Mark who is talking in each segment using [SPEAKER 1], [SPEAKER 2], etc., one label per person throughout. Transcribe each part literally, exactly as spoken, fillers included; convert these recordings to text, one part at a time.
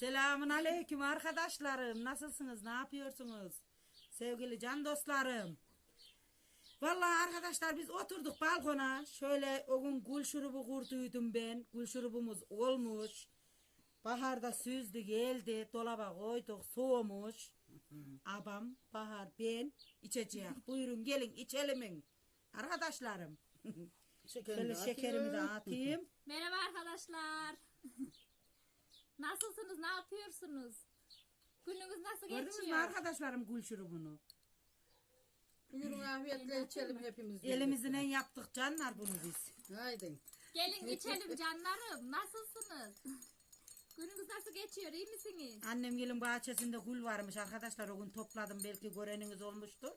[SPEAKER 1] Selamun aleyküm arkadaşlarım. Nasılsınız? Ne yapıyorsunuz? Sevgili can dostlarım. Vallahi arkadaşlar biz oturduk balkona. Şöyle o gün gül şurubu kurduydum ben. Gül şurubumuz olmuş. Baharda süzdü geldi. Dolaba koyduk soğumuş. Abam, Bahar, ben içeceğiz. Buyurun gelin içelim. Arkadaşlarım. Şöyle şekerimi de atayım.
[SPEAKER 2] Merhaba arkadaşlar. Nasılsınız? Ne yapıyorsunuz? Gününüz nasıl geçiyor?
[SPEAKER 1] Gördünüz mü arkadaşlarım gül şurubunu?
[SPEAKER 3] Buyurun afiyetle içelim hepimiz.
[SPEAKER 1] Elimizden yaptık canlar bunu biz.
[SPEAKER 3] Haydi.
[SPEAKER 2] Gelin içelim canlarım. Nasılsınız? Gününüz nasıl geçiyor? İyi misiniz?
[SPEAKER 1] Annem gelin bahçesinde gül varmış arkadaşlar, o gün topladım, belki göreniniz olmuştur.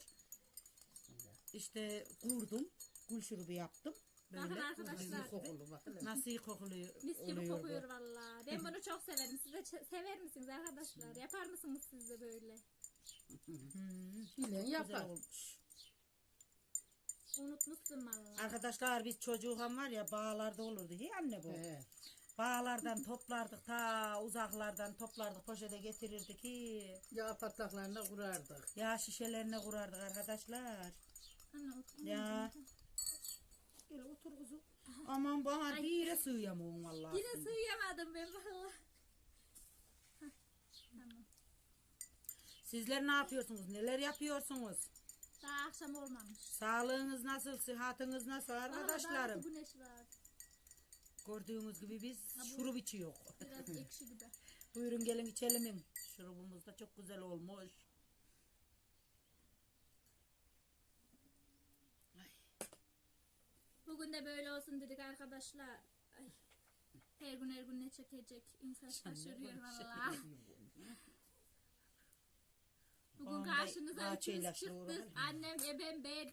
[SPEAKER 1] İşte kurdum, gül şurubu yaptım.
[SPEAKER 2] Bakın
[SPEAKER 1] Böyle.
[SPEAKER 2] arkadaşlar.
[SPEAKER 3] Kokulu bak hele.
[SPEAKER 1] Nasıl iyi kokuluyor.
[SPEAKER 2] Mis gibi
[SPEAKER 1] oluyor
[SPEAKER 2] kokuyor
[SPEAKER 1] bu.
[SPEAKER 2] valla. Ben bunu çok severim. Siz de ç- sever misiniz arkadaşlar? Yapar mısınız siz de böyle?
[SPEAKER 1] Hmm,
[SPEAKER 3] Bilen
[SPEAKER 1] güzel
[SPEAKER 3] yapar.
[SPEAKER 1] olmuş.
[SPEAKER 2] Unutmuşsun valla.
[SPEAKER 1] Arkadaşlar biz çocuğum var ya, bağlarda olurdu. Hi anne bu.
[SPEAKER 3] He.
[SPEAKER 1] Bağlardan toplardık, ta uzaklardan toplardık, poşete getirirdik. Hi.
[SPEAKER 3] Yağ patlaklarına kurardık.
[SPEAKER 1] Yağ şişelerine kurardık arkadaşlar.
[SPEAKER 2] Anne otur.
[SPEAKER 1] Ya. Gel otur kuzum. Aman bana bir yere sığıyamam vallahi.
[SPEAKER 2] Yine sığıyamadım ben valla. Hah, Tamam.
[SPEAKER 1] Sizler ne yapıyorsunuz? Neler yapıyorsunuz?
[SPEAKER 2] Daha akşam olmamış.
[SPEAKER 1] Sağlığınız nasıl? Sıhhatiniz nasıl arkadaşlarım?
[SPEAKER 2] Daha güneş var.
[SPEAKER 1] Gördüğünüz gibi biz şurup içiyor.
[SPEAKER 2] Biraz ekşi gibi.
[SPEAKER 1] Buyurun gelin içelim. Şurubumuz da çok güzel olmuş.
[SPEAKER 2] Bugün de böyle olsun dedik arkadaşlar. Ay. Her gün her gün ne çekecek? İnsan şaşırıyor valla. Bugün
[SPEAKER 1] Vallahi
[SPEAKER 2] karşınıza
[SPEAKER 1] bahçeyle
[SPEAKER 2] üçümüz
[SPEAKER 1] şuuru
[SPEAKER 2] çıktık.
[SPEAKER 1] var.
[SPEAKER 2] Annem, ebem, ben.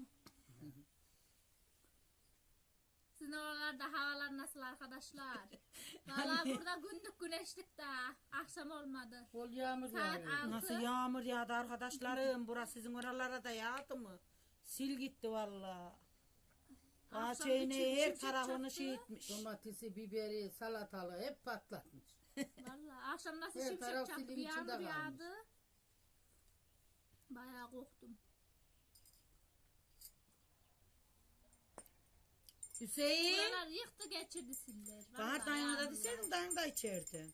[SPEAKER 2] Sizin oralarda havalar nasıl arkadaşlar? Valla burada gündük güneşlik daha. Akşam olmadı.
[SPEAKER 3] Bol yağmur
[SPEAKER 2] Saat
[SPEAKER 3] yağıyor.
[SPEAKER 2] altı.
[SPEAKER 1] Nasıl yağmur yağdı arkadaşlarım? Burası sizin oralara da yağdı mı? Sil gitti valla.
[SPEAKER 2] Akşam
[SPEAKER 1] Bahçeyi
[SPEAKER 2] küçük
[SPEAKER 1] her
[SPEAKER 2] küçük
[SPEAKER 1] tarafını
[SPEAKER 2] çaktı.
[SPEAKER 1] şey etmiş.
[SPEAKER 3] Domatesi, biberi, salatalığı hep patlatmış.
[SPEAKER 2] Valla akşam nasıl
[SPEAKER 3] Her
[SPEAKER 2] şimşek
[SPEAKER 3] taraf
[SPEAKER 2] çaktı,
[SPEAKER 3] silin
[SPEAKER 2] bir
[SPEAKER 3] içinde
[SPEAKER 2] yağmur
[SPEAKER 3] kalmış.
[SPEAKER 2] yağdı. Bayağı korktum.
[SPEAKER 1] Hüseyin.
[SPEAKER 2] Buralar yıktı geçirdi siller.
[SPEAKER 1] Bana
[SPEAKER 2] Vallahi
[SPEAKER 1] dayını da
[SPEAKER 2] yağmurlar.
[SPEAKER 1] deseydin, dayın da içerdi.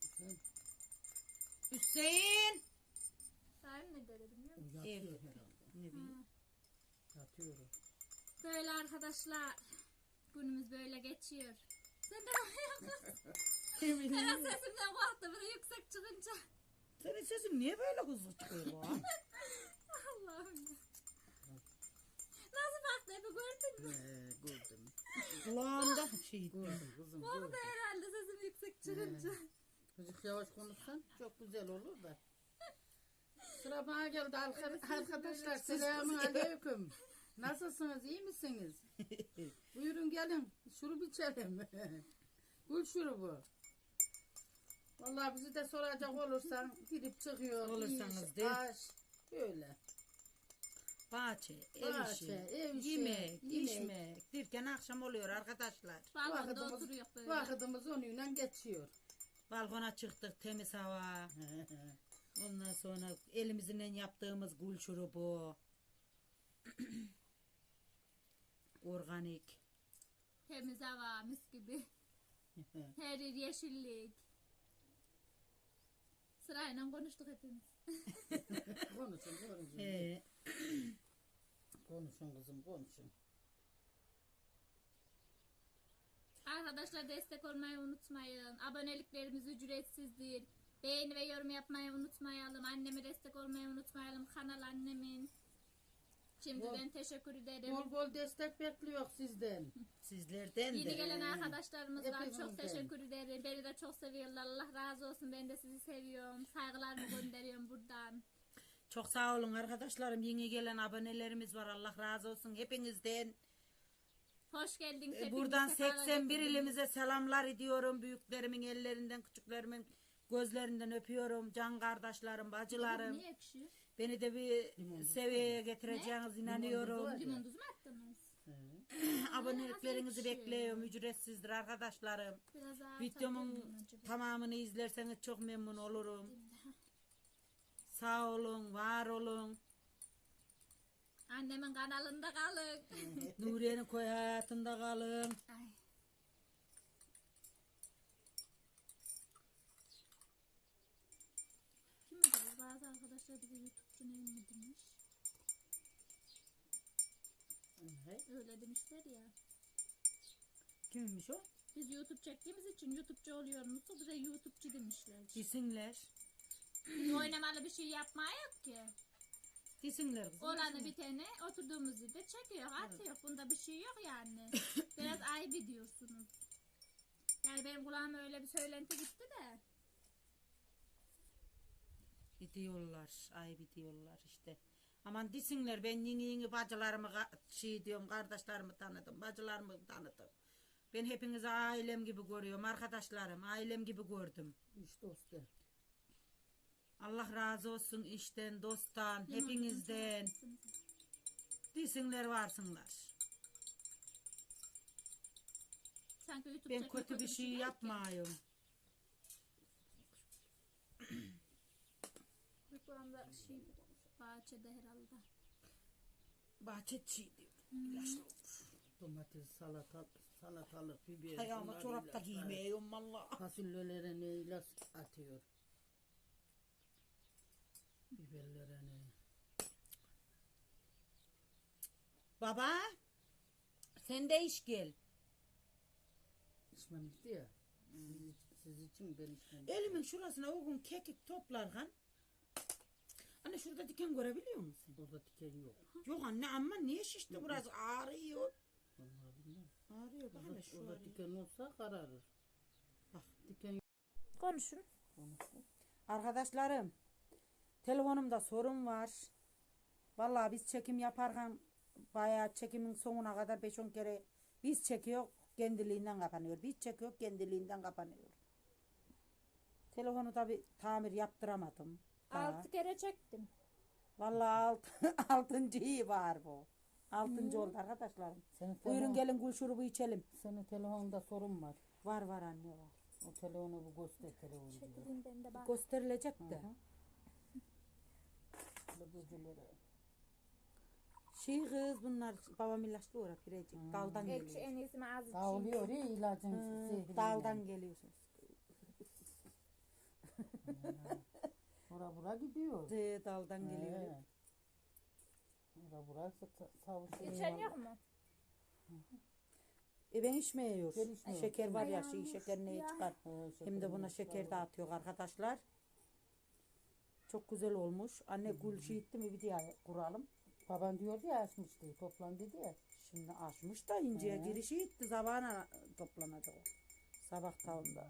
[SPEAKER 1] Hüseyin.
[SPEAKER 2] Dayım ne dedi biliyor musun?
[SPEAKER 3] Yatıyor
[SPEAKER 1] Ev.
[SPEAKER 3] herhalde.
[SPEAKER 1] Ne bileyim.
[SPEAKER 3] Yatıyor.
[SPEAKER 2] Böyle arkadaşlar. Günümüz böyle geçiyor. Sen de yapıyorsun.
[SPEAKER 1] Ne bileyim.
[SPEAKER 2] Hemen sesimden korktu. Bir de yüksek çıkınca.
[SPEAKER 1] Senin sesin niye böyle hızlı çıkıyor bu?
[SPEAKER 2] Allah'ım ya. Nasıl baktı Efe gördün mü?
[SPEAKER 3] He, gördüm.
[SPEAKER 1] Kulağımda şey.
[SPEAKER 3] Gördüm kızım
[SPEAKER 2] Korktu
[SPEAKER 3] gördüm.
[SPEAKER 2] herhalde sesim yüksek çıkınca.
[SPEAKER 3] Çocuk yavaş konuşsan çok güzel olur da. Sıra bana geldi arka- arkadaşlar. Selamun aleyküm. Nasılsınız? İyi misiniz? Buyurun gelin. Şurup içelim. Gül şurubu. Vallahi bizi de soracak olursan girip çıkıyor.
[SPEAKER 1] Olursanız
[SPEAKER 3] iş,
[SPEAKER 1] de.
[SPEAKER 3] aş, böyle.
[SPEAKER 1] Bahçe, ev
[SPEAKER 3] Bahçe,
[SPEAKER 1] işi,
[SPEAKER 3] ev işi,
[SPEAKER 1] yemek,
[SPEAKER 3] yemek.
[SPEAKER 1] içmek derken akşam oluyor arkadaşlar.
[SPEAKER 2] Balkonda
[SPEAKER 3] Vakitimiz,
[SPEAKER 2] oturuyor böyle.
[SPEAKER 3] vakitimiz onunla geçiyor.
[SPEAKER 1] Balkona çıktık, temiz hava. Ondan sonra elimizle yaptığımız gül şurubu. Organik.
[SPEAKER 2] Temiz hava mis gibi. Her yer yeşillik. Sırayla konuştuk hepimiz.
[SPEAKER 3] Konuşun, konuşun.
[SPEAKER 1] Ee,
[SPEAKER 3] Konuşun kızım, konuşun.
[SPEAKER 2] Arkadaşlar destek olmayı unutmayın. Aboneliklerimiz ücretsizdir. Beğeni ve yorum yapmayı unutmayalım. Anneme destek olmayı unutmayalım. Kanal annemin. Şimdiden teşekkür ederim.
[SPEAKER 3] Bol bol destek bekliyor sizden.
[SPEAKER 1] sizlerden de.
[SPEAKER 2] Yeni gelen arkadaşlarımız var. Çok
[SPEAKER 3] Hepinizden.
[SPEAKER 2] teşekkür ederim. Beni de çok seviyorlar. Allah razı olsun. Ben de sizi seviyorum. Saygılarımı gönderiyorum buradan.
[SPEAKER 1] Çok sağ olun arkadaşlarım. Yeni gelen abonelerimiz var. Allah razı olsun hepinizden.
[SPEAKER 2] Hoş geldiniz.
[SPEAKER 1] Ee,
[SPEAKER 2] hepiniz
[SPEAKER 1] Buradan
[SPEAKER 2] sefalar
[SPEAKER 1] seksen bir
[SPEAKER 2] getirdiniz.
[SPEAKER 1] ilimize selamlar ediyorum. Büyüklerimin ellerinden, küçüklerimin gözlerinden öpüyorum. Can kardeşlerim, bacılarım.
[SPEAKER 2] Niye ekşi?
[SPEAKER 1] Beni de bir
[SPEAKER 3] Limon tuz
[SPEAKER 1] seviyeye getireceğiniz inanıyorum.
[SPEAKER 3] Limon tuz var.
[SPEAKER 2] Limon tuz mu attınız?
[SPEAKER 3] He.
[SPEAKER 1] Aboneliklerinizi
[SPEAKER 2] Nasıl
[SPEAKER 1] bekliyorum. Ücretsizdir arkadaşlarım.
[SPEAKER 2] Biraz daha
[SPEAKER 1] Videomun
[SPEAKER 2] atabilir miyim acaba?
[SPEAKER 1] tamamını izlerseniz çok memnun olurum. Sağ olun, var olun.
[SPEAKER 2] Annemin kanalında kalın.
[SPEAKER 1] Nuriye'nin koy hayatında kalın.
[SPEAKER 2] Ay. Kim bilir, bazı arkadaşlar bize YouTube'cu neyim mi demiş. Öyle demişler ya.
[SPEAKER 1] Kimmiş o?
[SPEAKER 2] Biz YouTube çektiğimiz için YouTube'cu oluyormuş. Bize YouTube'cu demişler.
[SPEAKER 1] Disinler.
[SPEAKER 2] Biz oynamalı bir şey yapmaya yok ki.
[SPEAKER 1] Disinler kızım.
[SPEAKER 2] Olanı biteni oturduğumuz yerde çekiyor, atıyor. Bunda bir şey yok yani. Biraz ayıp ediyorsunuz. Yani benim kulağıma öyle bir söylenti gitti de.
[SPEAKER 1] Gidiyorlar. Ay gidiyorlar işte. Aman disinler, ben yeni yeni bacılarımı ka- şey diyorum, kardeşlerimi tanıdım, bacılarımı tanıdım. Ben hepinizi ailem gibi görüyorum, arkadaşlarım, ailem gibi gördüm.
[SPEAKER 3] İş dostu.
[SPEAKER 1] Allah razı olsun işten, dosttan, hepinizden. Disinler, varsınlar.
[SPEAKER 2] Sanki YouTube
[SPEAKER 1] Ben
[SPEAKER 2] çekmek
[SPEAKER 1] kötü bir şey
[SPEAKER 2] değil ki.
[SPEAKER 1] yapmıyorum.
[SPEAKER 2] Bu anda şey bahçede herhalde.
[SPEAKER 1] Bahçe çiğ diyor. İlaçlı olur.
[SPEAKER 3] Domates, salata, salatalık, biber.
[SPEAKER 1] Ayağıma
[SPEAKER 3] bunlar
[SPEAKER 1] çorap da
[SPEAKER 3] ilaçlar.
[SPEAKER 1] giymeyeyim valla.
[SPEAKER 3] Fasulyelere ne ilaç atıyor. Biberlere ne.
[SPEAKER 1] Baba, sen de iş gel.
[SPEAKER 3] İçmem bitti ya. Siz, siz için ben içmem.
[SPEAKER 1] Elimin şurasına o gün kekik toplarken. Anne şurada diken görebiliyor musun?
[SPEAKER 3] Burada diken yok.
[SPEAKER 1] Yok anne, ama niye şişti burası, ağrıyor.
[SPEAKER 3] Vallahi bilmem.
[SPEAKER 1] Ağrıyor bak hele
[SPEAKER 3] Orada,
[SPEAKER 1] şu
[SPEAKER 3] orada
[SPEAKER 1] ağrıyor.
[SPEAKER 3] diken olsa kararır.
[SPEAKER 1] Bak.
[SPEAKER 3] Diken yok.
[SPEAKER 2] Konuşun.
[SPEAKER 1] Arkadaşlarım, telefonumda sorun var. Vallahi biz çekim yaparken bayağı çekimin sonuna kadar beş on kere biz çekiyor, kendiliğinden kapanıyor. Biz çekiyor, kendiliğinden kapanıyor. Telefonu tabi tamir yaptıramadım. daha.
[SPEAKER 2] Altı kere çektim.
[SPEAKER 1] Vallahi alt, altıncıyı var bu. Altıncı oldu arkadaşlarım.
[SPEAKER 3] Senin
[SPEAKER 1] Buyurun
[SPEAKER 3] telefon-
[SPEAKER 1] gelin gül şurubu içelim.
[SPEAKER 3] Senin telefonda sorun var.
[SPEAKER 1] Var var anne var.
[SPEAKER 3] O telefonu bu göster telefonu diyor.
[SPEAKER 2] Çekileyim ben de bak.
[SPEAKER 1] Gösterilecek de.
[SPEAKER 3] Televizyonlara.
[SPEAKER 1] Şey kız bunlar babam ilaçlı uğra pirecik. Daldan
[SPEAKER 2] Ekşi
[SPEAKER 1] geliyor.
[SPEAKER 2] en iyisi mi az içeyim.
[SPEAKER 3] Dağılıyor ya ilacın
[SPEAKER 1] Hı,
[SPEAKER 3] zehriyle.
[SPEAKER 1] daldan geliyorsunuz.
[SPEAKER 3] Bura bura gidiyor.
[SPEAKER 1] Ee, daldan geliyor.
[SPEAKER 3] He. Bura bura sa- savuşuyor.
[SPEAKER 2] İçen yok mu?
[SPEAKER 1] E ben içmiyor.
[SPEAKER 3] Ben içmiyorum.
[SPEAKER 1] Şeker var ya, şey
[SPEAKER 2] Ayağım
[SPEAKER 1] şeker ne
[SPEAKER 2] ya.
[SPEAKER 1] çıkar.
[SPEAKER 3] He,
[SPEAKER 1] Hem de buna
[SPEAKER 3] şekerim
[SPEAKER 1] şeker
[SPEAKER 3] var.
[SPEAKER 1] dağıtıyor arkadaşlar. Çok güzel olmuş. Anne gül şey etti mi bir diye kuralım.
[SPEAKER 3] Baban diyordu ya açmıştı. Toplan dedi ya.
[SPEAKER 1] Şimdi açmış da inceye
[SPEAKER 3] He.
[SPEAKER 1] girişi etti. Sabahına toplanacak o. Sabah tavında.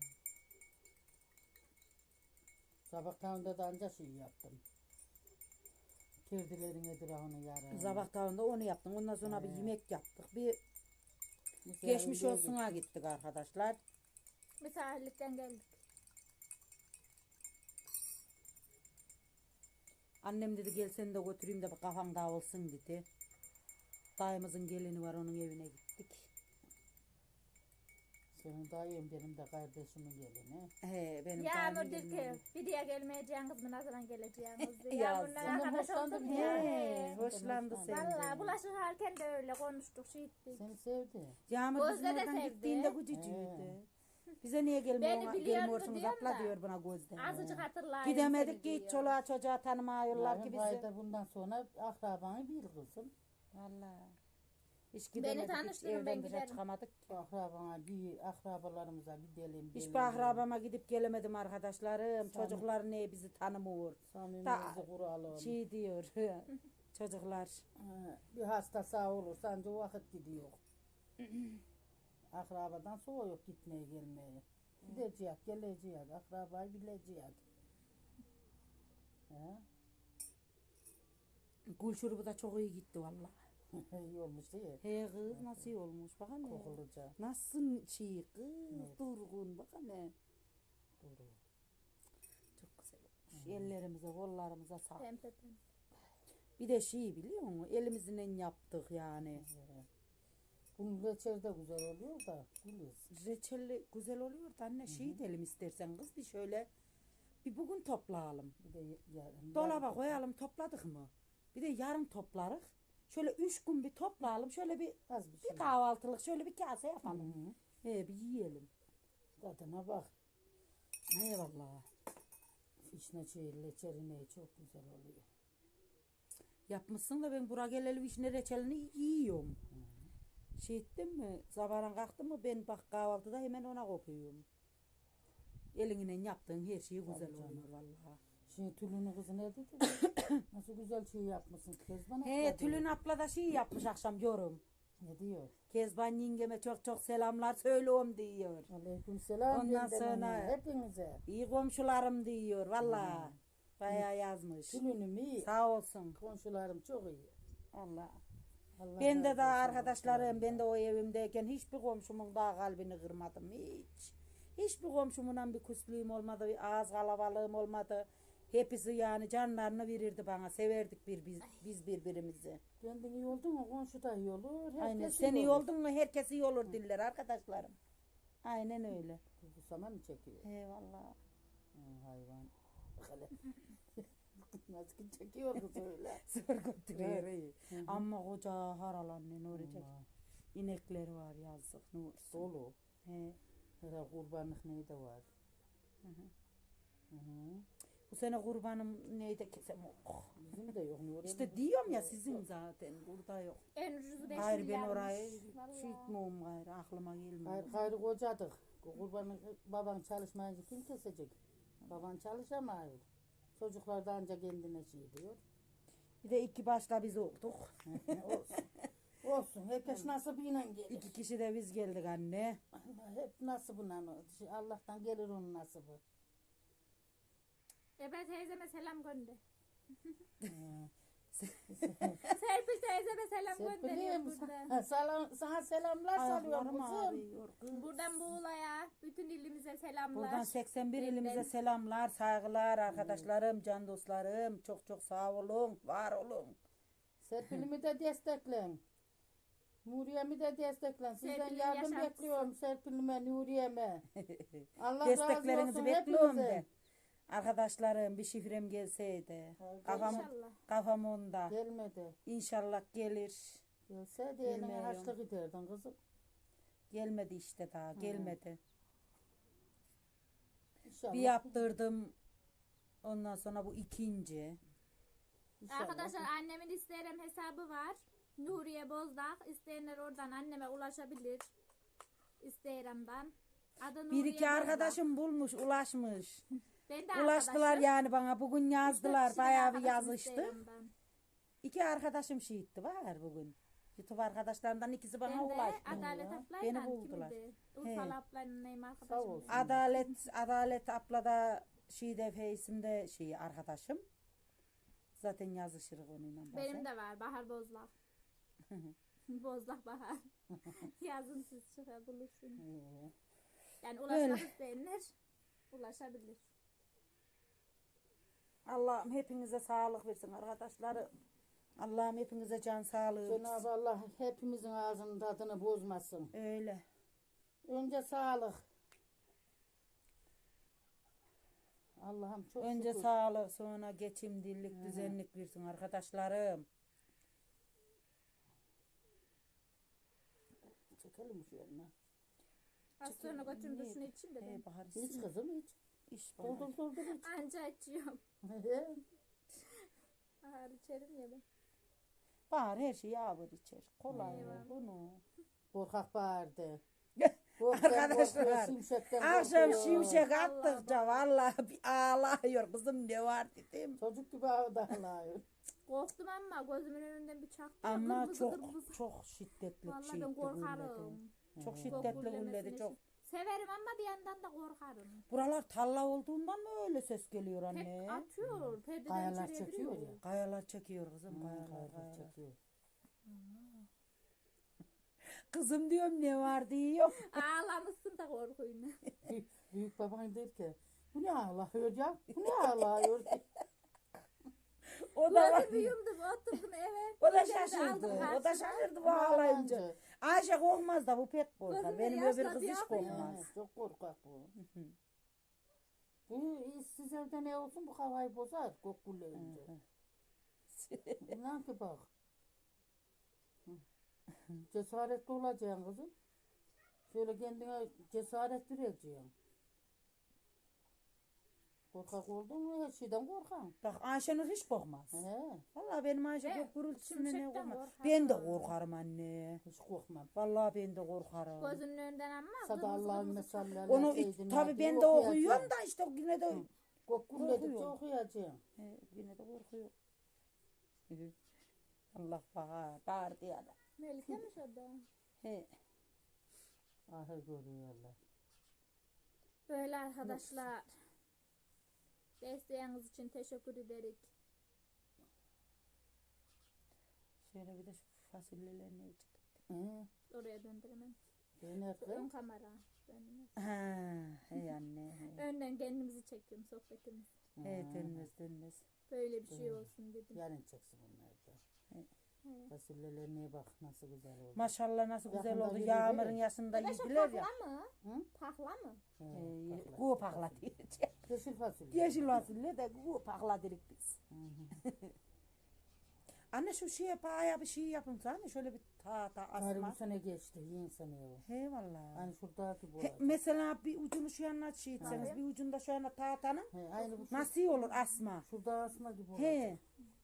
[SPEAKER 3] Sabah tavında da anca şey yaptım. Kirdilerin etrafını yarın.
[SPEAKER 1] Sabah tavında onu yaptım. Ondan sonra bir
[SPEAKER 3] He.
[SPEAKER 1] yemek yaptık. Bir
[SPEAKER 3] Mesela
[SPEAKER 1] geçmiş
[SPEAKER 3] bir
[SPEAKER 1] olsuna gittik arkadaşlar.
[SPEAKER 2] Misafirlikten geldik.
[SPEAKER 1] Annem dedi gel seni de götüreyim de bir kafan dağılsın dedi. Dayımızın gelini var, onun evine gittik.
[SPEAKER 3] Senin dayın benim de kardeşimin gelini.
[SPEAKER 1] He benim
[SPEAKER 2] Yağmur
[SPEAKER 1] dayımın
[SPEAKER 2] dedi
[SPEAKER 1] gelini.
[SPEAKER 2] ki bir diye gelmeyeceğiniz mi, ne zaman geleceğiniz diye.
[SPEAKER 1] Yazdı.
[SPEAKER 2] Yağmurla
[SPEAKER 3] Senden
[SPEAKER 2] arkadaş
[SPEAKER 3] hoşlandı
[SPEAKER 2] olduk
[SPEAKER 3] mı?
[SPEAKER 2] ya.
[SPEAKER 1] He,
[SPEAKER 2] He.
[SPEAKER 1] hoşlandı
[SPEAKER 3] Vallahi
[SPEAKER 1] senden.
[SPEAKER 2] Valla bulaşık harken de öyle konuştuk, şey ettik.
[SPEAKER 3] Seni sevdi.
[SPEAKER 1] Yağmur bizim
[SPEAKER 2] Gözde de
[SPEAKER 1] oradan
[SPEAKER 2] sevdi.
[SPEAKER 1] gittiğinde gücücüydü. Bize niye gelmiyor,
[SPEAKER 2] Beni biliyordu
[SPEAKER 1] gelmiyorsunuz
[SPEAKER 2] diyorum
[SPEAKER 1] abla
[SPEAKER 2] da.
[SPEAKER 1] diyor buna Gözde.
[SPEAKER 2] Azıcık hatırlayın.
[SPEAKER 1] Gidemedik ki
[SPEAKER 2] seni
[SPEAKER 1] hiç
[SPEAKER 2] diyor.
[SPEAKER 1] çoluğa çocuğa tanımıyorlar ki
[SPEAKER 3] Yani
[SPEAKER 1] bizi.
[SPEAKER 3] bayda bundan sonra akrabanı bil kızım.
[SPEAKER 1] Valla. Hiç gidemedik, hiç
[SPEAKER 2] tanıştırın, ben
[SPEAKER 1] evden dışarı
[SPEAKER 2] giderim.
[SPEAKER 1] çıkamadık.
[SPEAKER 3] Akrabana bir akrabalarımıza gidelim.
[SPEAKER 1] Hiç
[SPEAKER 3] gelelim.
[SPEAKER 1] bir akrabama gidip gelemedim arkadaşlarım.
[SPEAKER 3] Samimi-
[SPEAKER 1] Çocuklar ne bizi tanımıyor.
[SPEAKER 3] Samimiyeti kuralım.
[SPEAKER 1] Şey diyor çocuklar.
[SPEAKER 3] Ha, bir hasta sağ olursa anca o vakit gidiyor. Akrabadan soğuk gitmeye gelmeye. Gideceğiz, geleceğiz. Akrabayı bileceğiz. He?
[SPEAKER 1] Gül şurubu da çok iyi gitti valla.
[SPEAKER 3] İyi olmuş değil mi?
[SPEAKER 1] He kız nasıl iyi olmuş bak anne.
[SPEAKER 3] Kokuluca.
[SPEAKER 1] Nasıl şey kız
[SPEAKER 3] Evet.
[SPEAKER 1] durgun bak anne.
[SPEAKER 3] Doğru.
[SPEAKER 1] Çok güzel olmuş. Ellerimize kollarımıza sağlık.
[SPEAKER 2] Pembe pembe.
[SPEAKER 1] Bir de şey biliyor musun? Elimizle yaptık yani.
[SPEAKER 3] Evet. Bunun reçeli de güzel oluyor da. Gülüyoruz.
[SPEAKER 1] Reçelli güzel oluyor da anne şey edelim istersen kız bir şöyle bir bugün toplayalım.
[SPEAKER 3] Bir de yarın.
[SPEAKER 1] Dolaba koyalım topladık mı? Bir de yarın toplarız. Şöyle üç gün bir toplayalım. Şöyle bir
[SPEAKER 3] Az bir şey.
[SPEAKER 1] bir kahvaltılık şöyle bir kase
[SPEAKER 3] Hı
[SPEAKER 1] yapalım.
[SPEAKER 3] hı.
[SPEAKER 1] He bir yiyelim.
[SPEAKER 3] Tadına bak.
[SPEAKER 1] Eyvallah.
[SPEAKER 3] Fişne çiğ reçeli çok güzel oluyor.
[SPEAKER 1] Yapmışsın da ben buraya geleli vişne reçelini yiyorum. Şey ettin mi? Sabahın kalktım mı ben bak kahvaltıda hemen ona kopuyorum. Elinle yaptığın her şey güzel
[SPEAKER 3] Tabii canım.
[SPEAKER 1] oluyor vallahi.
[SPEAKER 3] Şimdi Tülün'ün kızı ne dedi? Nasıl güzel çiğ yapmışsın. Kezban
[SPEAKER 1] He
[SPEAKER 3] abla
[SPEAKER 1] Tülün
[SPEAKER 3] diyor.
[SPEAKER 1] abla da şey yapmış akşam yorum.
[SPEAKER 3] Ne diyor?
[SPEAKER 1] Kezban yengeme çok çok selamlar söylüyorum diyor.
[SPEAKER 3] Aleyküm selam.
[SPEAKER 1] Ondan
[SPEAKER 3] benden
[SPEAKER 1] sonra-
[SPEAKER 3] ona, hepinize.
[SPEAKER 1] İyi komşularım diyor valla. Bayağı yazmış.
[SPEAKER 3] Tülün'üm iyi.
[SPEAKER 1] Sağ olsun.
[SPEAKER 3] Komşularım çok iyi.
[SPEAKER 1] Allah.
[SPEAKER 3] Allah
[SPEAKER 1] Ben de
[SPEAKER 3] razı
[SPEAKER 1] daha
[SPEAKER 3] olsun
[SPEAKER 1] arkadaşlarım, ben de
[SPEAKER 3] komşularımdan.
[SPEAKER 1] o evimdeyken hiçbir komşumun daha kalbini kırmadım hiç. Hiçbir komşumundan bir küslüğüm olmadı, bir ağız kalabalığım olmadı. Hepsi yani canlarını verirdi bana, severdik bir biz, biz birbirimizi.
[SPEAKER 3] Kendin iyi oldun mu komşu da iyi olur. Herkes
[SPEAKER 1] Aynen sen iyi
[SPEAKER 3] olur.
[SPEAKER 1] oldun mu herkes iyi olur diller arkadaşlarım. Aynen öyle.
[SPEAKER 3] Bu zaman mı çekiyor?
[SPEAKER 1] Eyvallah.
[SPEAKER 3] Hı, hayvan. Bak hele. Nasıl çekiyor kız öyle.
[SPEAKER 1] Zor götürüyor.
[SPEAKER 3] Evet.
[SPEAKER 1] iyi.
[SPEAKER 3] Hı hı.
[SPEAKER 1] Ama koca haral anne ne olacak?
[SPEAKER 3] Allah,
[SPEAKER 1] İnekleri var yazık ne olsun.
[SPEAKER 3] Dolu.
[SPEAKER 1] He.
[SPEAKER 3] Herhalde kurbanlık neydi var.
[SPEAKER 1] Hı hı.
[SPEAKER 3] Hı hı.
[SPEAKER 1] Bu sene kurbanım neydi kesem oh.
[SPEAKER 3] Bizim de yok. Nuriye
[SPEAKER 1] İşte
[SPEAKER 3] mi?
[SPEAKER 1] diyorum ya sizin zaten burada yok.
[SPEAKER 2] En ucuzu beş
[SPEAKER 1] Hayır ben
[SPEAKER 2] milyarmış.
[SPEAKER 1] orayı
[SPEAKER 2] Vallahi.
[SPEAKER 1] şey etmiyorum gayrı aklıma gelmiyor.
[SPEAKER 3] Hayır, gayrı kocadık. Kurbanı baban çalışmayınca kim kesecek? Baban çalışamıyor. Çocuklar da ancak kendine şey diyor.
[SPEAKER 1] Bir de iki başta biz olduk.
[SPEAKER 3] Olsun. Olsun. Herkes nasibine gelir.
[SPEAKER 1] İki kişi de biz geldik anne.
[SPEAKER 3] Allah hep nasibine. Allah'tan gelir onun nasibi.
[SPEAKER 2] E ben teyzeme selam gönder.
[SPEAKER 3] Hı.
[SPEAKER 2] Serpil teyzeme selam gönderiyorum
[SPEAKER 3] Serpil'im
[SPEAKER 2] buradan.
[SPEAKER 3] sa- salam, sana selamlar salıyorum
[SPEAKER 1] Ayaklarım
[SPEAKER 3] kızım.
[SPEAKER 1] ağrıyor. kız.
[SPEAKER 2] Buradan Muğla'ya, bütün ilimize selamlar.
[SPEAKER 1] Buradan seksen bir
[SPEAKER 2] Benden.
[SPEAKER 1] ilimize selamlar, saygılar arkadaşlarım, can dostlarım. Çok çok sağ olun, var olun.
[SPEAKER 3] Serpil'imi de desteklen. Nuriye'mi de desteklen. Sizden
[SPEAKER 2] Serpil'in
[SPEAKER 3] yardım
[SPEAKER 2] yaşantısı.
[SPEAKER 3] bekliyorum Serpil'ime, Nuriye'me. Allah razı
[SPEAKER 1] Desteklerinizi
[SPEAKER 3] olsun
[SPEAKER 1] bekliyorum
[SPEAKER 3] hepinize.
[SPEAKER 1] ben. Arkadaşlarım bir şifrem gelseydi.
[SPEAKER 3] Hayır,
[SPEAKER 1] Kafam,
[SPEAKER 2] İnşallah.
[SPEAKER 1] kafam onda.
[SPEAKER 3] Gelmedi.
[SPEAKER 1] İnşallah gelir.
[SPEAKER 3] Gelse de eline
[SPEAKER 1] Bilmiyorum.
[SPEAKER 3] haçlı giderdin kızım.
[SPEAKER 1] Gelmedi işte daha, gelmedi.
[SPEAKER 3] İnşallah.
[SPEAKER 1] Bir yaptırdım. Ondan sonra bu ikinci.
[SPEAKER 3] İnşallah.
[SPEAKER 2] Arkadaşlar annemin Instagram hesabı var. Nuriye Bozdağ. İsteyenler oradan anneme ulaşabilir. Instagram'dan. Adı Nuriye
[SPEAKER 1] Bir iki
[SPEAKER 2] Bozdağ.
[SPEAKER 1] arkadaşım bulmuş, ulaşmış.
[SPEAKER 2] Ben de
[SPEAKER 1] Ulaştılar
[SPEAKER 2] arkadaşım.
[SPEAKER 1] yani bana. Bugün yazdılar.
[SPEAKER 2] Üç dört kişi
[SPEAKER 1] Bayağı bir
[SPEAKER 2] arkadaşım
[SPEAKER 1] yazıştı.
[SPEAKER 2] Instagram'dan.
[SPEAKER 1] İki arkadaşım şiitti var bugün. YouTube arkadaşlarından ikisi bana
[SPEAKER 2] Ben de
[SPEAKER 1] ulaştı.
[SPEAKER 2] Adalet
[SPEAKER 3] ya.
[SPEAKER 2] ablayla
[SPEAKER 1] Beni buldular.
[SPEAKER 2] kimdi? Urfalı ablayla neyim
[SPEAKER 3] Sağ
[SPEAKER 2] arkadaşım.
[SPEAKER 3] olsun.
[SPEAKER 1] Adalet Adalet abla da Şide Feysim'de şey arkadaşım. Zaten yazışırız onunla bazen.
[SPEAKER 2] Benim de var Bahar Bozlak. Bozlak Bahar. Yazın siz çıkar bulursunuz.
[SPEAKER 3] Ee,
[SPEAKER 2] Yani
[SPEAKER 1] Öyle.
[SPEAKER 2] ulaşmak isteyenler ulaşabilir.
[SPEAKER 1] Allah'ım hepinize sağlık versin arkadaşlarım. Allah'ım hepinize can sağlığı versin.
[SPEAKER 3] Cenab-ı Allah hepimizin ağzının tadını bozmasın.
[SPEAKER 1] Öyle.
[SPEAKER 3] Önce sağlık. Allah'ım çok
[SPEAKER 1] Önce
[SPEAKER 3] şükür.
[SPEAKER 1] sağlık sonra geçim, dillik, düzenlik versin arkadaşlarım.
[SPEAKER 3] Çekelim şu yanına.
[SPEAKER 2] Az sonra götürün duşunu için de ben.
[SPEAKER 1] Hey, bahar
[SPEAKER 3] Hiç
[SPEAKER 1] isim.
[SPEAKER 3] kızım hiç.
[SPEAKER 1] İş bahar.
[SPEAKER 3] Doldur doldur hiç.
[SPEAKER 2] Anca açıyorum.
[SPEAKER 3] He.
[SPEAKER 2] Bahar içerim ya ben.
[SPEAKER 1] Bahar her şeyi ağır içer. Kolay
[SPEAKER 2] Eyvallah.
[SPEAKER 1] bunu.
[SPEAKER 3] Korkak bağırdı.
[SPEAKER 1] Arkadaşlar, Akşam şimşek
[SPEAKER 2] Allah
[SPEAKER 1] attıkça vallahi bir ağlıyor kızım ne var dedim.
[SPEAKER 3] Çocuk gibi ağlıyor.
[SPEAKER 2] Korktum ama gözümün önünden bir çaktı.
[SPEAKER 1] Ama
[SPEAKER 2] Kırmızı
[SPEAKER 1] çok
[SPEAKER 2] kırmızı.
[SPEAKER 1] çok şiddetli
[SPEAKER 2] Vallahi
[SPEAKER 1] şeydi
[SPEAKER 2] ben
[SPEAKER 1] gulledi.
[SPEAKER 2] korkarım.
[SPEAKER 1] Çok
[SPEAKER 2] Çok
[SPEAKER 1] şiddetli
[SPEAKER 2] gullemesini
[SPEAKER 1] gulledi çok.
[SPEAKER 2] için. Severim ama bir yandan da korkarım.
[SPEAKER 1] Buralar talla olduğundan mı öyle ses geliyor
[SPEAKER 2] Hep
[SPEAKER 1] anne?
[SPEAKER 2] atıyor. Perdeden
[SPEAKER 3] Kayalar
[SPEAKER 2] içeriye
[SPEAKER 3] çekiyor
[SPEAKER 2] giriyor.
[SPEAKER 3] ya.
[SPEAKER 1] Kayalar çekiyor kızım
[SPEAKER 3] Hmm,
[SPEAKER 1] kayalar
[SPEAKER 3] kayalar
[SPEAKER 1] kayalar.
[SPEAKER 3] çekiyor.
[SPEAKER 1] Kızım diyorum ne var diyor.
[SPEAKER 2] Ağlamışsın da korkuyla.
[SPEAKER 3] Büyük, büyük baban der ki bu ne ağlıyor ya? Bu ne ağlıyor?
[SPEAKER 1] O da var.
[SPEAKER 2] Gözümü yumdum oturdum eve.
[SPEAKER 1] O da
[SPEAKER 2] Gözlerimi
[SPEAKER 1] şaşırdı.
[SPEAKER 2] aldım
[SPEAKER 1] O da
[SPEAKER 2] karşıma.
[SPEAKER 1] şaşırdı bu ağlayınca. Ayşe korkmaz da bu pek korkar.
[SPEAKER 2] Gözüme
[SPEAKER 1] Benim
[SPEAKER 2] yaşlar
[SPEAKER 1] öbür kız hiç
[SPEAKER 2] yapıyor.
[SPEAKER 1] korkmaz.
[SPEAKER 3] Ha, çok korkak bu. Bu siz evde ne olsun bu havayı bozar kokullayınca. İnan ki bak. Cesaretli olacaksın kızım. Şöyle kendine cesaret vereceksin. Korkak oldun mu her şeyden korkan.
[SPEAKER 1] Bak Ayşenur hiç korkmaz.
[SPEAKER 3] He,
[SPEAKER 1] Vallahi benim Ayşe
[SPEAKER 2] Ben
[SPEAKER 1] kork gürültüsüne ne
[SPEAKER 2] şimşekten
[SPEAKER 1] korkmaz.
[SPEAKER 2] korkarım.
[SPEAKER 1] Ben de korkarım anne.
[SPEAKER 3] hiç korkmam.
[SPEAKER 1] Vallahi ben de korkarım.
[SPEAKER 2] Gözünün önünden ama.
[SPEAKER 3] Sada
[SPEAKER 2] kırmızı
[SPEAKER 3] Allah'ın
[SPEAKER 2] kırmızı
[SPEAKER 3] mesallerine
[SPEAKER 1] Onu
[SPEAKER 3] seydin
[SPEAKER 1] tabi
[SPEAKER 3] hadi
[SPEAKER 1] ben de
[SPEAKER 3] okuyacağım.
[SPEAKER 1] okuyorum da işte yine de
[SPEAKER 3] Kokulledikçe
[SPEAKER 1] Korkuyorum.
[SPEAKER 3] okuyacaksın.
[SPEAKER 1] He, yine de korkuyor. Allah bağır, bağır diye de.
[SPEAKER 2] Melike mi şurada?
[SPEAKER 1] He.
[SPEAKER 3] Ahır görüyorlar.
[SPEAKER 2] Böyle arkadaşlar. Desteğiniz için teşekkür ederiz.
[SPEAKER 1] Şöyle bir de şu fasulyeler ne çıktı?
[SPEAKER 3] Hı.
[SPEAKER 2] Oraya döndüremem.
[SPEAKER 3] Ben
[SPEAKER 2] Ön
[SPEAKER 3] nerede?
[SPEAKER 2] kamera. Dönmez.
[SPEAKER 1] Ha, he anne. He,
[SPEAKER 2] Önden kendimizi çekiyorum sohbetimiz.
[SPEAKER 1] he dönmez dönmez.
[SPEAKER 2] Böyle bir şey olsun dedim.
[SPEAKER 3] Yarın çeksin bunları da.
[SPEAKER 2] Evet.
[SPEAKER 3] Fasulyelerine bak nasıl güzel oldu.
[SPEAKER 1] Maşallah nasıl güzel
[SPEAKER 3] Yakında
[SPEAKER 1] oldu.
[SPEAKER 3] yedi
[SPEAKER 1] Yağmurun
[SPEAKER 3] değil.
[SPEAKER 1] yaşında
[SPEAKER 2] Arkadaşlar
[SPEAKER 1] yediler ya.
[SPEAKER 2] tahla mı?
[SPEAKER 3] Hı?
[SPEAKER 2] Tahla mı?
[SPEAKER 3] He,
[SPEAKER 1] He,
[SPEAKER 3] bakla.
[SPEAKER 1] kuğu pakla diyecek.
[SPEAKER 3] Yeşil fasulye.
[SPEAKER 1] Yeşil fasulye de kuğu pakla dedik biz.
[SPEAKER 3] Hı hı.
[SPEAKER 1] Anne şu şeye paya bir şey yapın sana şöyle bir ta ta
[SPEAKER 3] Tarih
[SPEAKER 1] asma.
[SPEAKER 3] bu sene geçti. Yiyin sene o.
[SPEAKER 1] He vallahi.
[SPEAKER 3] Hani şuradaki bu.
[SPEAKER 1] He, mesela bir ucunu şu yana şey etseniz,
[SPEAKER 2] Tabii.
[SPEAKER 1] bir ucunda şu yana tahtanın
[SPEAKER 3] He, aynı bu.
[SPEAKER 1] nasıl iyi olur asma?
[SPEAKER 3] Şurada asma gibi olacak.
[SPEAKER 1] He.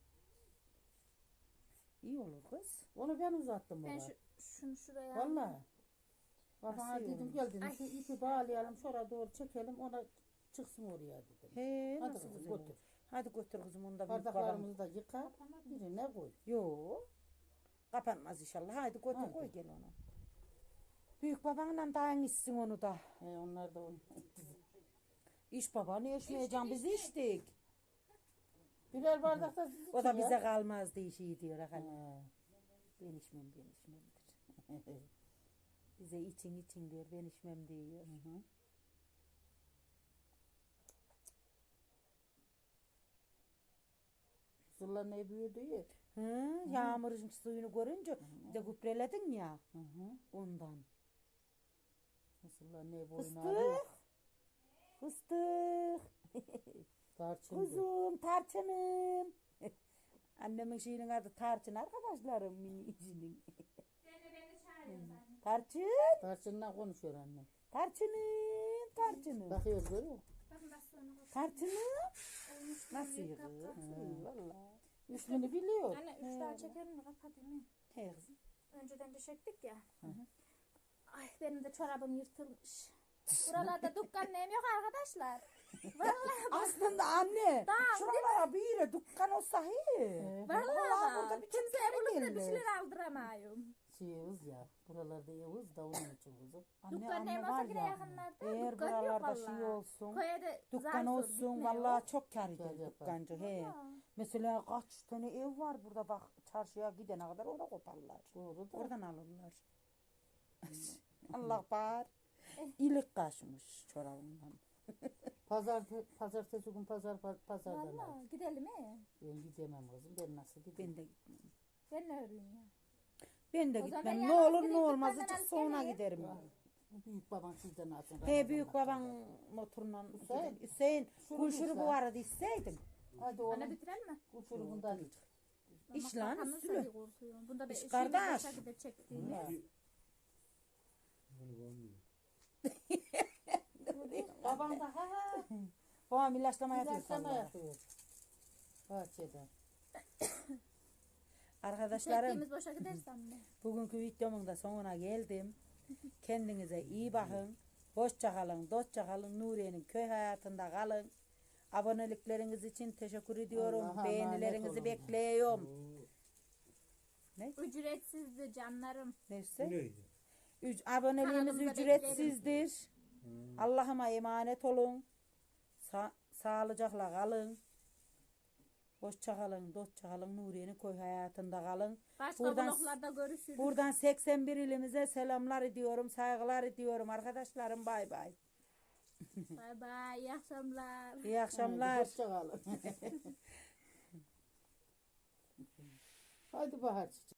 [SPEAKER 1] İyi olur kız.
[SPEAKER 3] Onu ben uzattım
[SPEAKER 2] Ben
[SPEAKER 3] bana.
[SPEAKER 2] şu, şunu şuraya
[SPEAKER 3] Vallahi. Babana
[SPEAKER 1] Nasıl iyi
[SPEAKER 3] dedim
[SPEAKER 1] olur?
[SPEAKER 3] gel dedim
[SPEAKER 2] Ay.
[SPEAKER 3] şu ipi bağlayalım şuraya doğru çekelim ona çıksın oraya dedim.
[SPEAKER 1] He
[SPEAKER 3] Hadi
[SPEAKER 1] nasıl
[SPEAKER 3] kızım,
[SPEAKER 1] güzel olur.
[SPEAKER 3] götür.
[SPEAKER 1] Hadi götür kızım onu da büyük babam.
[SPEAKER 3] Bardaklarımızı da yıka. Birine koy.
[SPEAKER 1] Yo. Kapanmaz inşallah. Hadi götür
[SPEAKER 3] Hadi.
[SPEAKER 1] koy gel onu. Büyük babanla dayan içsin onu da.
[SPEAKER 3] He, onlar da onu.
[SPEAKER 1] İş babanı yaşmayacağım biz içtik.
[SPEAKER 3] Birer bardak da siz
[SPEAKER 1] O da
[SPEAKER 3] için ya.
[SPEAKER 1] bize kalmaz diye şey diyor.
[SPEAKER 3] He.
[SPEAKER 1] Efendim. Ben içmem ben içmemdir. Bize için için diyor ben içmem diyor.
[SPEAKER 3] Hı hı. Sırlar ne büyüdü ya.
[SPEAKER 1] Hı, yağmurun suyunu görünce bir de gübreledin ya
[SPEAKER 3] Hı hı.
[SPEAKER 1] ondan.
[SPEAKER 3] Sırlar ne boyuna alıyor.
[SPEAKER 1] Fıstık. Fıstık.
[SPEAKER 3] Tarçın bu.
[SPEAKER 1] Kuzum tarçınım. Annemin şeyinin adı tarçın arkadaşlarım minicinin. Tarçın.
[SPEAKER 3] Tarçınla konuşuyor annem.
[SPEAKER 1] Tarçınım. Tarçınım.
[SPEAKER 3] Bakıyoruz görüyor musun?
[SPEAKER 2] Bakın bak sonra.
[SPEAKER 1] Tarçınım. Nasıl iyi kız? İyi valla.
[SPEAKER 3] İsmini biliyor.
[SPEAKER 2] Anne üç daha çekelim mi? Kapatayım mı?
[SPEAKER 1] He kızım.
[SPEAKER 2] Önceden de çektik ya. Ay benim de çorabım yırtılmış. Buralarda dükkan neyim yok arkadaşlar. Vallahi
[SPEAKER 1] Aslında anne.
[SPEAKER 2] Tamam,
[SPEAKER 1] Şuralara bir yere dükkan olsa he.
[SPEAKER 2] vallahi
[SPEAKER 1] Vallahi burada
[SPEAKER 2] bak.
[SPEAKER 1] bir
[SPEAKER 2] Kimseye
[SPEAKER 1] çiftlik
[SPEAKER 2] bulup da bir
[SPEAKER 1] gelir.
[SPEAKER 2] şeyler aldıramayım.
[SPEAKER 3] Şey Yavuz ya. Buralarda Yavuz da onun için kuzum.
[SPEAKER 1] Anne
[SPEAKER 2] Dükkan neyim
[SPEAKER 1] anne
[SPEAKER 2] olsa
[SPEAKER 1] var
[SPEAKER 2] yine
[SPEAKER 1] ya.
[SPEAKER 2] yakınlarda.
[SPEAKER 1] Eğer
[SPEAKER 2] Dükkan yok
[SPEAKER 1] buralarda
[SPEAKER 2] vallahi.
[SPEAKER 1] şey olsun.
[SPEAKER 2] Koya da
[SPEAKER 1] Dükkan
[SPEAKER 2] zar zor
[SPEAKER 1] olsun
[SPEAKER 2] gitmiyor.
[SPEAKER 1] vallahi çok kar
[SPEAKER 3] Kar
[SPEAKER 1] eder
[SPEAKER 3] yapar.
[SPEAKER 1] dükkancı he.
[SPEAKER 2] Vallahi.
[SPEAKER 1] Mesela kaç tane ev var burada bak çarşıya gidene kadar orada koparlar.
[SPEAKER 3] Doğru da.
[SPEAKER 1] Oradan alırlar. Allah bağır. İlik kaçmış çorabından.
[SPEAKER 3] Pazar, pazartesi gün pazar paz- pazardan al.
[SPEAKER 2] Vallahi gidelim mi?
[SPEAKER 3] Ben gidemem kızım. Ben nasıl gideyim?
[SPEAKER 1] Ben de gitmem.
[SPEAKER 2] Ben ne öreyim ya?
[SPEAKER 1] Ben de
[SPEAKER 2] O zaman
[SPEAKER 1] gitmem.
[SPEAKER 2] ben
[SPEAKER 1] Ne
[SPEAKER 2] yalnız
[SPEAKER 1] olur ne
[SPEAKER 2] gideyim,
[SPEAKER 1] olmaz
[SPEAKER 2] dükkandan
[SPEAKER 1] hiç
[SPEAKER 2] alıp
[SPEAKER 1] sonra
[SPEAKER 2] geleyim.
[SPEAKER 1] giderim.
[SPEAKER 3] Ya, bu büyük baban sizden alsın.
[SPEAKER 1] He büyük
[SPEAKER 3] Ramazan'dan
[SPEAKER 1] baban motorla
[SPEAKER 3] Hüseyin.
[SPEAKER 1] gidelim. Hüseyin
[SPEAKER 3] Şunu
[SPEAKER 1] kul
[SPEAKER 3] bir
[SPEAKER 1] şurubu
[SPEAKER 3] sen.
[SPEAKER 1] vardı isteydin.
[SPEAKER 3] sonra. Hadi
[SPEAKER 2] Anne
[SPEAKER 3] oğlum.
[SPEAKER 2] bitirelim mi?
[SPEAKER 3] Uçurumundan iç.
[SPEAKER 1] İş lan
[SPEAKER 2] Makarnamı
[SPEAKER 1] üstüne.
[SPEAKER 2] sarı korkuyorum. Bunda bir
[SPEAKER 1] İş
[SPEAKER 2] şey
[SPEAKER 1] kardeş.
[SPEAKER 2] boşa gidip çektiğimiz.
[SPEAKER 3] Ya. Baban da ha ha.
[SPEAKER 1] Babam ilaçlama yapıyor
[SPEAKER 3] İlaçlama
[SPEAKER 1] vallahi.
[SPEAKER 3] yapıyor. Bahçede.
[SPEAKER 1] Arkadaşlarım
[SPEAKER 2] Çektiğimiz boşa gidersem mi?
[SPEAKER 1] bugünkü videomun da sonuna geldim. Kendinize iyi bakın. Hoşça kalın, dostça kalın. Nuriye'nin köy hayatında kalın. Abonelikleriniz için teşekkür ediyorum.
[SPEAKER 3] Allah'a
[SPEAKER 1] Beğenilerinizi
[SPEAKER 3] emanet olun.
[SPEAKER 1] bekliyorum.
[SPEAKER 2] Ücretsizdi canlarım.
[SPEAKER 1] Neyse.
[SPEAKER 4] Neydi?
[SPEAKER 1] Üc- aboneliğimiz
[SPEAKER 2] Kanalımıza
[SPEAKER 1] ücretsizdir. Allah'ıma emanet olun. Sa- sağlıcakla kalın. Hoşça kalın, dostça kalın. Nuriye'nin köy hayatında kalın.
[SPEAKER 2] Başka
[SPEAKER 1] Buradan-
[SPEAKER 2] vloglarda görüşürüz.
[SPEAKER 1] Buradan seksen bir ilimize selamlar ediyorum, saygılar ediyorum arkadaşlarım. Bay bay.
[SPEAKER 2] Bay bay. İyi akşamlar.
[SPEAKER 1] İyi akşamlar.
[SPEAKER 3] Hoşça kalın. Haydi bahar çiçeği.